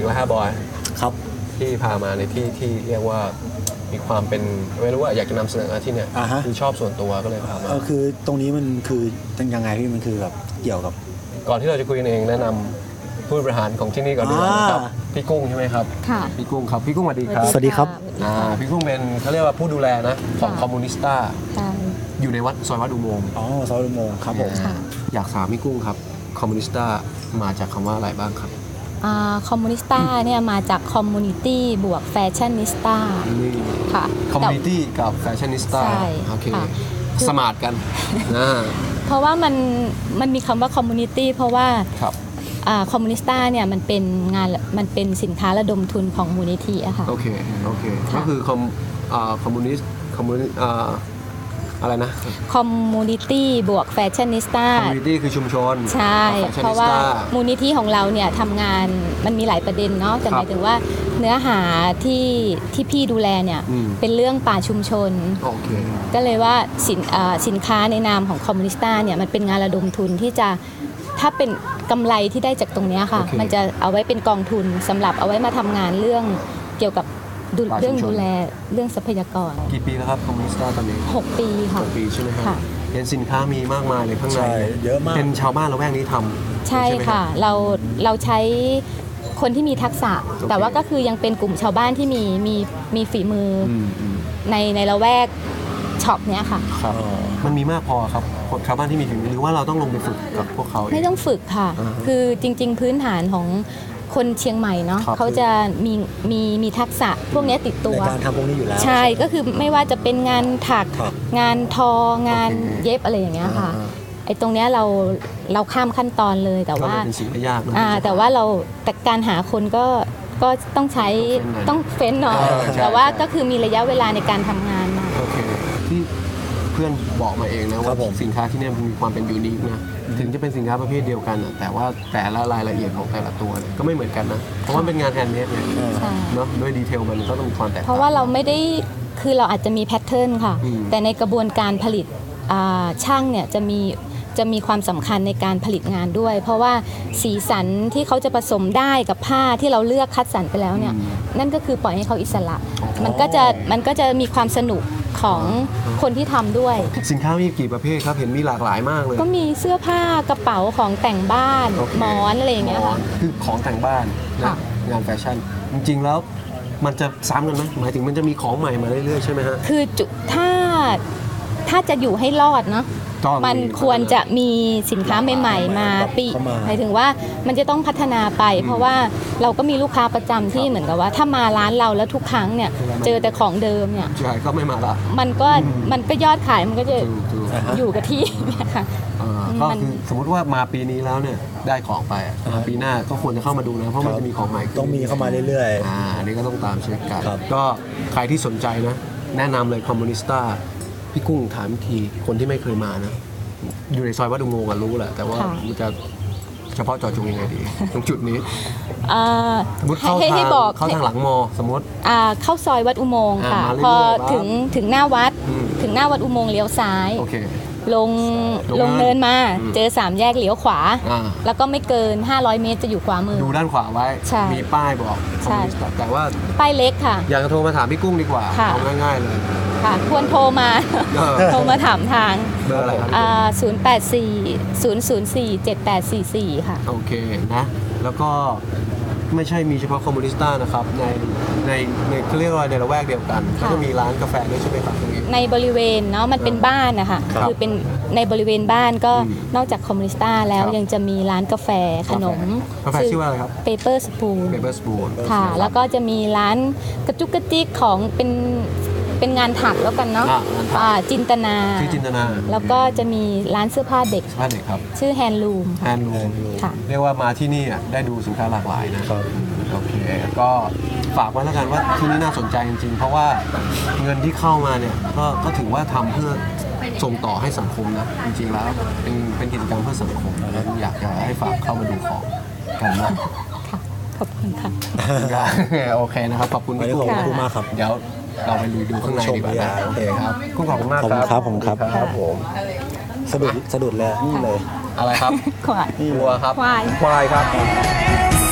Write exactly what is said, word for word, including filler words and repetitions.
กแล้วฮะบอยครับที่พามาในที่ที่เรียกว่ามีความเป็นไม่รู้ว่าอยากจะนำเสนอที่เนี่ยคือชอบส่วนตัวก็เลยพามาเออคือตรงนี้มันคือยังไงพี่มันคือแบบเกี่ยวกับก่อนที่เราจะคุยกันเองแนะนำผู้บริหารของที่นี่ก่อนดีกว่าครับพี่กุ้งใช่ไหมครับค่ะพี่กุ้งครับพี่กุ้งสวัสดีครับสวัสดีครับอ่าพี่กุ้งเป็นเขาเรียกว่าผู้ดูแลนะของคอมมูนิสต้าอยู่ในวัดซอยวัดอุโมงค์อ๋อซอยวัดอุโมงค์ครับผมอยากถามพี่กุ้งครับคอมมูนิสต้ามาจากคำว่าอะไรบ้างครับคอมมูนิสต้าเนี่ยมาจากคอมมูนิตี้บวกแฟชั่นนิสต้าค่ะคอมมูนิตี้กับแฟชั่นนิสต้าโอเคสมาร์ทกันนะเพราะว่ามันมันมีคำว่าคอมมูนิตี้เพราะว่าคอมมูนิสต้าเนี่ยมันเป็นงานมันเป็นสินค้าระดมทุนของมูลนิธิอะค่ะโอเคโอเคก็คือคอมคอมมูนิสต์คอมมูนิอะไรนะคอมมูนิตี้บวกแฟชั่นนิสต้าคอมมูนิตี้คือชุมชนใช่เพราะว่ามูลนิธิของเราเนี่ยทำงานมันมีหลายประเด็นเนาะแต่หมายถึงว่าเนื้อหาที่ที่พี่ดูแลเนี่ยเป็นเรื่องป่าชุมชนก็เลยว่าสินสินค้าในนามของคอมมูนิสต้าเนี่ยมันเป็นงานระดมทุนที่จะถ้าเป็นกำไรที่ได้จากตรงนี้ค่ะมันจะเอาไว้เป็นกองทุนสำหรับเอาไว้มาทำงานเรื่องเกี่ยวกับเรื่องดูแลเรื่องทรัพยากรกี่ปีแล้วครับคอมมูนิสต้าตอนนี้หกปีค่ะหกปีใช่ไหมครับเห็นสินค้ามีมากมายเลยข้างในเยอะมากเป็นชาวบ้านละแวกนี้ทำใช่ค่ะเราเราใช้คนที่มีทักษะแต่ว่าก็คือยังเป็นกลุ่มชาวบ้านที่มีมีมีฝีมือในในละแวกช็อปเนี้ยค่ะครับมันมีมากพอครับชาวบ้านที่มีฝีมือหรือว่าเราต้องลงไปฝึกกับพวกเขาไม่ต้องฝึกค่ะคือจริงๆพื้นฐานของคนเชียงใหม่เนาะเขาจะมีมีมีทักษะพวกนี้ติดตัวในการทำพวกนี้อยู่แล้วใช่ก็คือไม่ว่าจะเป็นงานถักงานทองานเย็บอะไรอย่างเงี้ยค่ะไอ้ตรงเนี้ยเราเราข้ามขั้นตอนเลยแต่ว่าเป็นสิ่งที่ยากนะอ่าแต่ว่าเราแต่การหาคนก็ก็ต้องใช้ต้องเฟ้นหน่อยแต่ว่าก็คือมีระยะเวลาในการทำงานมาโอเคที่เพื่อนบอกมาเองนะว่าสินค้าที่นี่มันมีความเป็นยูนิคนะถึงจะเป็นสินค้าประเภทเดียวกันแต่ว่าแต่ละรายละเอียดของแต่ละตัวก็ไม่เหมือนกันนะเพราะว่าเป็นงานแฮนด์เมดเนี่ยเนาะด้วยดีเทลมันก็ต้องมีความแตกต่างเพราะว่าเราไม่ได้คือเราอาจจะมีแพทเทิร์นค่ะแต่ในกระบวนการผลิตช่างเนี่ยจะมีจะมีความสำคัญในการผลิตงานด้วยเพราะว่าสีสันที่เขาจะผสมได้กับผ้าที่เราเลือกคัดสรรไปแล้วเนี่ยนั่นก็คือปล่อยให้เขาอิสระมันก็จะมันก็จะมีความสนุกของคนที่ทำด้วยสินค้ามีกี่ประเภทครับเห็นมีหลากหลายมากเลยก็มีเสื้อผ้ากระเป๋าของแต่งบ้านหมอนอะไรอย่างเงี้ยค่ะคือของแต่งบ้านนะงานแฟชั่นจริงๆแล้วมันจะซ้ำกันไหมหมายถึงมันจะมีของใหม่มาเรื่อยๆใช่ไหมฮะคือถ้าถ้าจะอยู่ให้รอดเนาะมันควรจะมีสินค้าใหม่ๆมาปีหมายถึงว่ามันจะต้องพัฒนาไปเพราะว่าเราก็มีลูกค้าประจำที่เหมือนกับว่าถ้ามาร้านเราแล้วทุกครั้งเนี่ยเจอแต่ของเดิมเนี่ยใช่ก็ไม่มาละมันก็มันก็ยอดขายมันก็จะอยู่กับที่เนี่ยค่ะก็คือสมมติว่ามาปีนี้แล้วเนี่ยได้ของไปปีหน้าก็ควรจะเข้ามาดูนะเพราะมันจะมีของใหม่ต้องมีเข้ามาเรื่อยๆอ่าอันนี้ก็ต้องตามเช็คกันก็ใครที่สนใจนะแนะนำเลยคอมมูนิสต้าพี่กุ้งถามทีคนที่ไม่เคยมานะอยู่ในซอยวัดอุโมงค์ก็รู้แหละแต่ว่ามันจะเฉพาะเจาะจงยังไงดีตรงจุดนี้สมมติเข้าทางเข้าทางหลังมอสมมติเข้าซอยวัดอุโมงค์ค่ะพอถึงถึงหน้าวัดถึงหน้าวัดอุโมงค์เลี้ยวซ้ายลงลงเนินมาเจอสามแยกเลี้ยวขวาแล้วก็ไม่เกินห้าร้อยเมตรจะอยู่ขวามือดูด้านขวาไว้มีป้ายบอกแต่ว่าป้ายเล็กค่ะอยากจะโทรมาถามพี่กุ้งดีกว่าเอาง่ายๆเลยค่ะควรโทรมาโทรมาถามทางเบอร์อะไรครับศูนย์ แปด สี่ ศูนย์ ศูนย์ สี่ เจ็ด แปด สี่ สี่ค่ะโอเคนะแล้วก็ไม่ใช่มีเฉพาะคอมมูนิสต้านะครับในในในเขาเรียกว่าในละแวกเดียวกันก็จะมีร้านกาแฟด้วยใช่ไหมครับตรงนี้ในบริเวณเนาะมันเป็นบ้านนะคะคือเป็นในบริเวณบ้านก็นอกจากคอมมูนิสต้าแล้วยังจะมีร้านกาแฟขนมกาแฟชื่อว่าอะไรครับ Paper Spoon Paper Spoon ค่ะแล้วก็จะมีร้านกระจุกกระจิกของเป็นเป็นงานถักแล้วกันเนาะจินตนาชื่อจินตนาแล้วก็จะมีร้านเสื้อผ้าเด็กเสื้อผ้าเด็กครับชื่อแฮนด์ลูมแฮนด์ลูมเรียกว่ามาที่นี่ได้ดูสินค้าหลากหลายนะครับโอเคก็ฝากไว้แล้วกันว่าที่นี่น่าสนใจจริงๆเพราะว่าเงินที่เข้ามาเนี่ยก็ก็ถือว่าทำเพื่อส่งต่อให้สังคมนะจริงๆแล้วเป็นเป็นกิจกรรมเพื่อสังคมแล้วอยากจะให้ฝากเข้ามาดูของกันนะขอบคุณค่ะโอเคนะครับขอบคุณพี่กุ้งมากครับเดี๋ยวเราไปดูข้างในดีกว่านะโอเคครับกุ้งขอบคุณมากครับครับผมครับครับผมสะดุดสะดุดเลยนี่เลยอะไรครับควายวัวครับควายควายครับ